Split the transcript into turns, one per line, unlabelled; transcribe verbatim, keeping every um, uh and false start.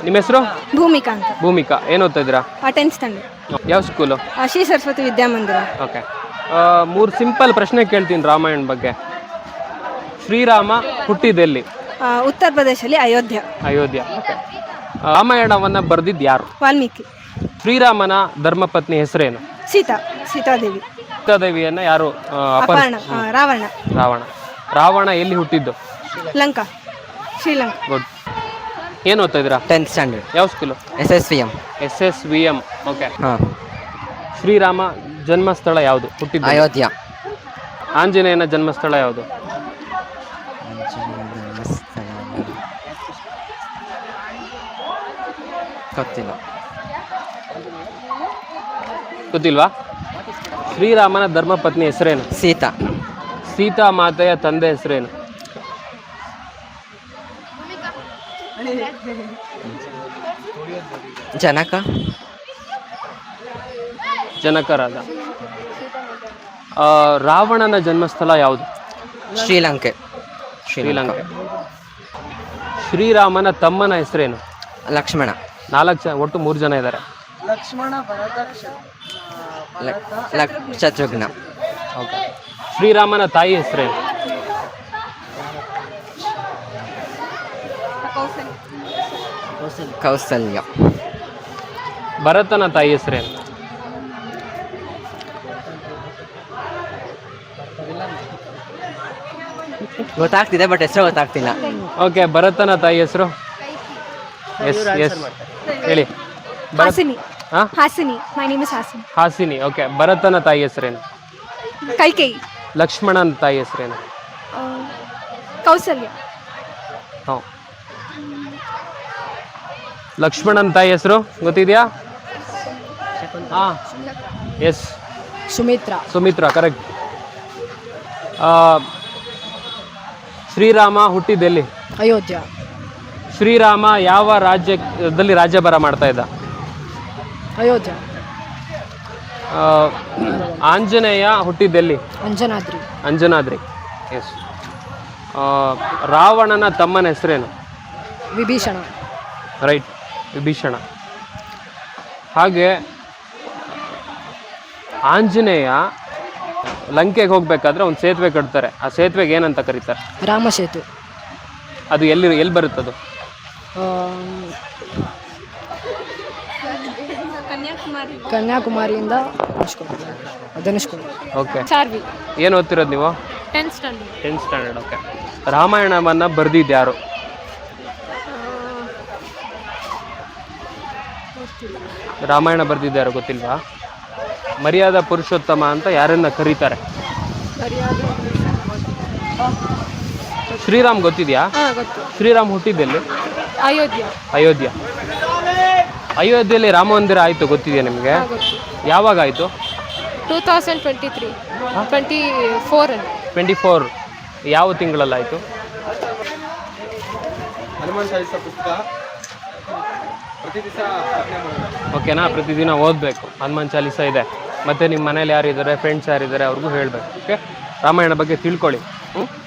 ನಿಮ್ಮ ಹೆಸರು?
ಭೂಮಿಕಾ ಅಂತ.
ಭೂಮಿಕಾ. ಏನು ಓದ್ತಾ ಇದ್ದೀರಾ?
Tenth standard.
ಯಾವ ಸ್ಕೂಲು?
ಶ್ರೀ ಸರಸ್ವತಿ ವಿದ್ಯಾಮಂದಿರ.
ಓಕೆ. ಮೂರು ಸಿಂಪಲ್ ಪ್ರಶ್ನೆ ಕೇಳ್ತೀನಿ ರಾಮಾಯಣ ಬಗ್ಗೆ. ಶ್ರೀರಾಮ ಹುಟ್ಟಿದೆಲ್ಲಿ?
ಉತ್ತರ ಪ್ರದೇಶದಲ್ಲಿ ಅಯೋಧ್ಯ.
ಅಯೋಧ್ಯ. ಓಕೆ. ರಾಮಾಯಣವನ್ನು ಬರೆದಿದ್ದು ಯಾರು?
ವಾಲ್ಮೀಕಿ.
ಶ್ರೀರಾಮನ ಧರ್ಮಪತ್ನಿ ಹೆಸರೇನು?
ಸೀತಾ. ಸೀತಾದೇವಿ.
ಸೀತಾದೇವಿಯನ್ನು ಯಾರು
ಅಪಹರಣ? ರಾವಣ.
ರಾವಣ. ರಾವಣ ಎಲ್ಲಿ ಹುಟ್ಟಿದ್ದು?
ಲಂಕಾ. ಶ್ರೀಲಂಕಾ.
ಗುಡ್. ಏನು ಓದ್ತಾ ಇದ್ದೀರಾ?
Tenth standard.
ಯಾವ school?
S S V M.
S S V M. Okay.
ಹಾಂ.
ಶ್ರೀರಾಮ ಜನ್ಮಸ್ಥಳ ಯಾವುದು? ಹುಟ್ಟಿದ್ದು?
ಅಯೋಧ್ಯ.
ಆಂಜನೇಯನ ಜನ್ಮಸ್ಥಳ ಯಾವುದು?
ಗೊತ್ತಿಲ್ಲ.
ಗೊತ್ತಿಲ್ವಾ? ಶ್ರೀರಾಮನ ಧರ್ಮಪತ್ನಿ ಹೆಸರೇನು?
ಸೀತಾ.
ಸೀತಾ ಮಾತೆಯ ತಂದೆ ಹೆಸರೇನು?
ಜನಕ.
ಜನಕರಾದ. ರಾವಣನ ಜನ್ಮಸ್ಥಳ ಯಾವುದು?
ಶ್ರೀಲಂಕೆ.
ಶ್ರೀಲಂಕೆ. ಶ್ರೀರಾಮನ ತಮ್ಮನ ಹೆಸರೇನು?
ಲಕ್ಷ್ಮಣ.
ನಾಲ್ಕು ಜನ, ಒಟ್ಟು ಮೂರು ಜನ ಇದ್ದಾರೆ.
ಲಕ್ಷ್ಮಣ, ಭರತ,
ಶತ್ರುಘ್ನ.
ಓಕೆ. ಶ್ರೀರಾಮನ ತಾಯಿ ಹೆಸರೇನು?
ಕೌಸಲ್ಯ.
ಭರತನ ತಾಯಿ ಹೆಸರೇನು?
ಗೊತ್ತಾಗ್ತಿದೆ ಬಟ್ ಹೆಸರು ಗೊತ್ತಾಗ್ತಿಲ್ಲ.
ಓಕೆ. ಭರತನ ತಾಯಿ ಹೆಸರು? ಎಸ್ ಎಸ್ ಹೇಳಿ.
ಹಾಸಿನಿ.
ಹಾಂ,
Hasini. My name is Hasini.
Hasini. Okay. ಭರತನ ತಾಯಿ ಹೆಸರೇನು?
ಕೈಕೇಯಿ.
ಲಕ್ಷ್ಮಣನ ತಾಯಿ ಹೆಸರೇನು?
ಕೌಸಲ್ಯ.
ಹಾಂ. ಲಕ್ಷ್ಮಣನ ತಾಯಿ ಹೆಸರು ಗೊತ್ತಿದೆಯಾ? ಹಾಂ, ಎಸ್,
ಸುಮಿತ್ರಾ.
ಸುಮಿತ್ರಾ. ಕರೆಕ್ಟ್. ಶ್ರೀರಾಮ ಹುಟ್ಟಿದೆಲ್ಲಿ?
ಅಯೋಧ್ಯ.
ಶ್ರೀರಾಮ ಯಾವ ರಾಜ್ಯದಲ್ಲಿ ರಾಜ್ಯಭಾರ ಮಾಡ್ತಾ ಇದ್ದ?
ಅಯೋಧ್ಯ.
ಆಂಜನೇಯ ಹುಟ್ಟಿದ್ದೆಲ್ಲಿ?
ಅಂಜನಾದ್ರಿ.
ಅಂಜನಾದ್ರಿ. ಎಸ್. ರಾವಣನ ತಮ್ಮನ ಹೆಸರೇನು?
ವಿಭೀಷಣ.
ರೈಟ್, ವಿಭೀಷಣ. ಹಾಗೆ ಆಂಜನೇಯ ಲಂಕೆಗೆ ಹೋಗ್ಬೇಕಾದ್ರೆ ಒಂದು ಸೇತುವೆ ಕಟ್ತಾರೆ. ಆ ಸೇತುವೆಗೆ ಏನಂತ ಕರೀತಾರೆ?
ರಾಮಸೇತು.
ಅದು ಎಲ್ಲಿ ಎಲ್ಲಿ ಬರುತ್ತದು?
ಕನ್ಯಾಕುಮಾರಿಯಿಂದ ಧನುಷ್ಕೋಡಿ.
ಓಕೆ.
ಚಾರ್ವಿ.
ಏನು ಓದ್ತಿರೋದು ನೀವು?
Tenth standard.
Tenth standard. Okay. ರಾಮಾಯಣವನ್ನು ಬರೆದಿದ್ದು ಯಾರು? ರಾಮಾಯಣ ಬರೆದಿದ್ದು ಯಾರು ಗೊತ್ತಿಲ್ವಾ? ಮರ್ಯಾದಾ ಪುರುಷೋತ್ತಮ ಅಂತ ಯಾರನ್ನ ಕರೀತಾರೆ? ಶ್ರೀರಾಮ್ ಗೊತ್ತಿದೆಯಾ? ಶ್ರೀರಾಮ್ ಹುಟ್ಟಿದ್ದೆಲ್ಲಿ?
ಅಯೋಧ್ಯ.
ಅಯೋಧ್ಯ. ಅಯೋಧ್ಯೆಯಲ್ಲಿ ರಾಮ ಮಂದಿರ ಆಯಿತು, ಗೊತ್ತಿದೆಯಾ ನಿಮಗೆ? ಯಾವಾಗ ಆಯಿತು?
Two thousand twenty three twenty four
twenty four ಯಾವ ತಿಂಗಳಲ್ಲಾಯಿತು?
ಹನುಮಾನ್ ಚಾಲಿಸ ಪುಸ್ತಕ ಪ್ರತಿ ದಿವಸ
ಓಕೆನಾ? ಪ್ರತಿದಿನ ಓದಬೇಕು. ಹನುಮಾನ್ ಚಾಲಿಸ ಇದೆ. ಮತ್ತು ನಿಮ್ಮ ಮನೇಲಿ ಯಾರಿದ್ದಾರೆ, ಫ್ರೆಂಡ್ಸ್ ಯಾರಿದ್ದಾರೆ ಅವ್ರಿಗೂ ಹೇಳಬೇಕು. ಓಕೆ. ರಾಮಾಯಣ ಬಗ್ಗೆ ತಿಳ್ಕೊಳ್ಳಿ. ಹ್ಞೂ